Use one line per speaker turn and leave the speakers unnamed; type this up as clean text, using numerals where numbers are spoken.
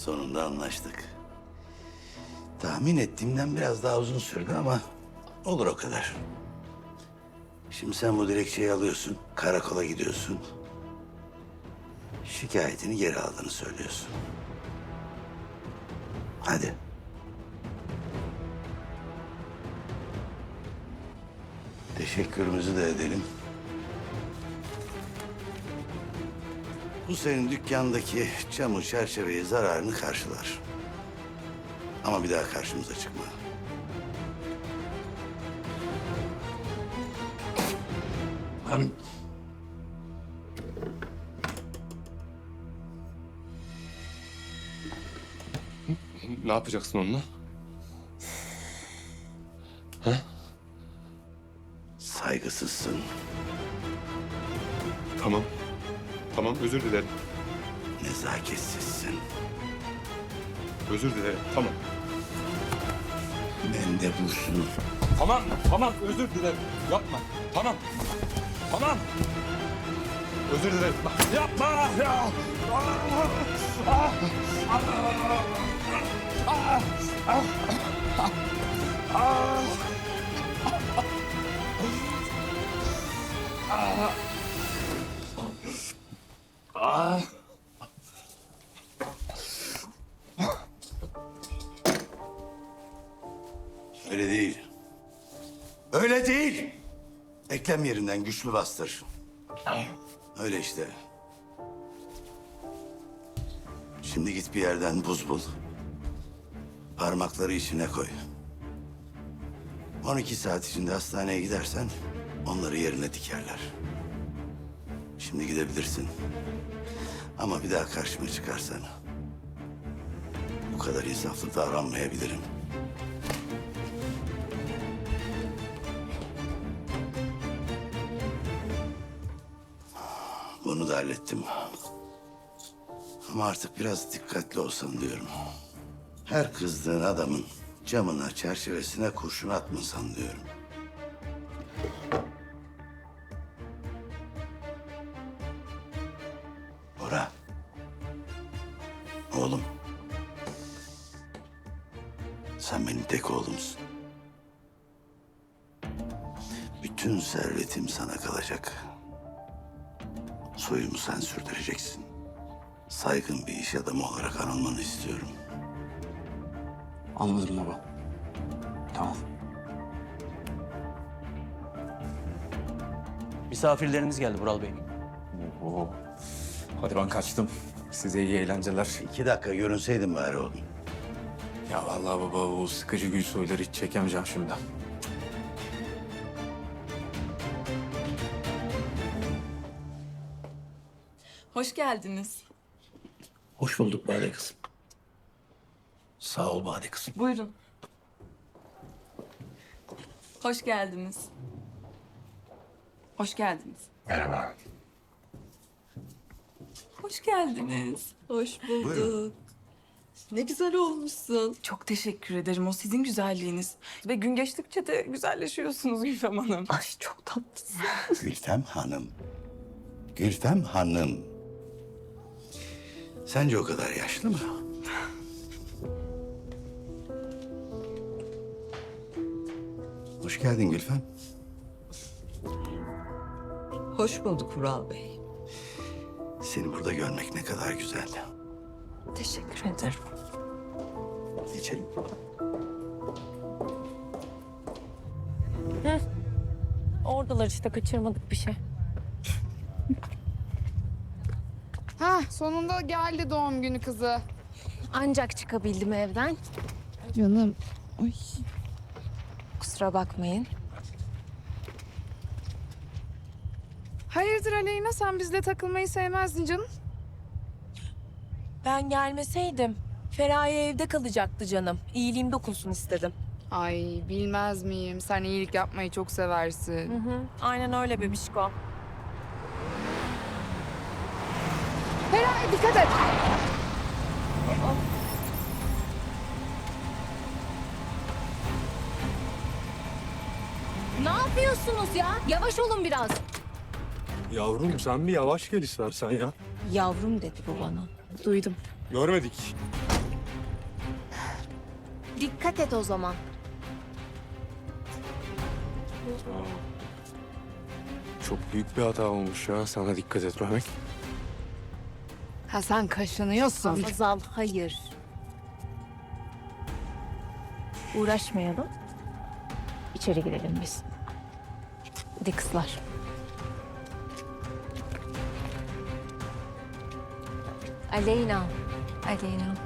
Sonunda anlaştık. Tahmin ettiğimden biraz daha uzun sürdü ama olur o kadar. Şimdi sen bu dilekçeyi alıyorsun, karakola gidiyorsun. Şikayetini geri aldığını söylüyorsun. Hadi. Teşekkürümüzü de edelim. Bu senin dükkandaki camı çerçeveyi zararını karşılar. Ama bir daha karşımıza çıkma. Lan
Ne yapacaksın onunla?
saygısızsın.
Tamam. Tamam, özür dilerim.
Nezaketsizsin.
Özür dilerim, tamam.
Mendebursun.
Tamam, tamam, özür dilerim. Yapma, tamam. Tamam. Özür dilerim. Yapma ya!
Öyle değil. Öyle değil. Eklem yerinden güçlü bastır. Öyle işte. Şimdi git bir yerden buz bul. Parmakları içine koy. 12 saat içinde hastaneye gidersen onları yerine dikerler. Şimdi gidebilirsin. Ama bir daha karşıma çıkarsan bu kadar insaflı davranmayabilirim. Bunu da hallettim. Ama artık biraz dikkatli olsan diyorum. Her kızdığın adamın camına, çerçevesine kurşun atmasan diyorum. Bora. Oğlum. Sen benim tek oğlumsun. Bütün servetim sana kalacak. Soyumu sen sürdüreceksin. Saygın bir iş adamı olarak anılmanı istiyorum.
Anladım baba. Tamam.
Misafirleriniz geldi Vural Bey.
Oo. Hadi ben kaçtım. Size iyi eğlenceler.
2 dakika görünseydin bari oğlum.
Ya vallahi baba o sıkıcı gül soyları hiç çekemeyeceğim şimdi.
Hoş geldiniz.
Hoş bulduk Bade kızım. Sağ ol Bade kızım.
Buyurun. Hoş geldiniz. Hoş geldiniz.
Merhaba.
Hoş geldiniz. Hoş bulduk.
Buyurun.
Ne güzel olmuşsun. Çok teşekkür ederim. O sizin güzelliğiniz. Ve gün geçtikçe de güzelleşiyorsunuz Gülfem Hanım. Ay çok tatlısın.
Gülfem Hanım. Gülfem Hanım. Sence o kadar yaşlı mı? Hoş geldin Gülfem.
Hoş bulduk Vural Bey.
Seni burada görmek ne kadar güzel.
Teşekkür ederim.
Geçelim.
Oradalar işte kaçırmadık bir şey.
Ha, sonunda geldi doğum günü kızı.
Ancak çıkabildim evden.
Canım. Ay.
Kusura bakmayın.
Hayırdır Aleyna, sen bizle takılmayı sevmezdin canım.
Ben gelmeseydim Feraye evde kalacaktı canım. İyiliğim dokunsun istedim.
Ay bilmez miyim, sen iyilik yapmayı çok seversin.
Hı, aynen öyle bebişko.
Feraye dikkat et.
Ne yapıyorsunuz ya? Yavaş olun biraz.
Yavrum sen bir yavaş gel istersen ya.
Yavrum dedi bu bana. Duydum.
Görmedik.
Dikkat et o zaman.
Çok büyük bir hata olmuş ya sana dikkat etmemek.
Ha sen kaşınıyorsun.
Hazal hayır. Uğraşmayalım. İçeri girelim biz. Hadi kızlar. Aleyna. Aleyna.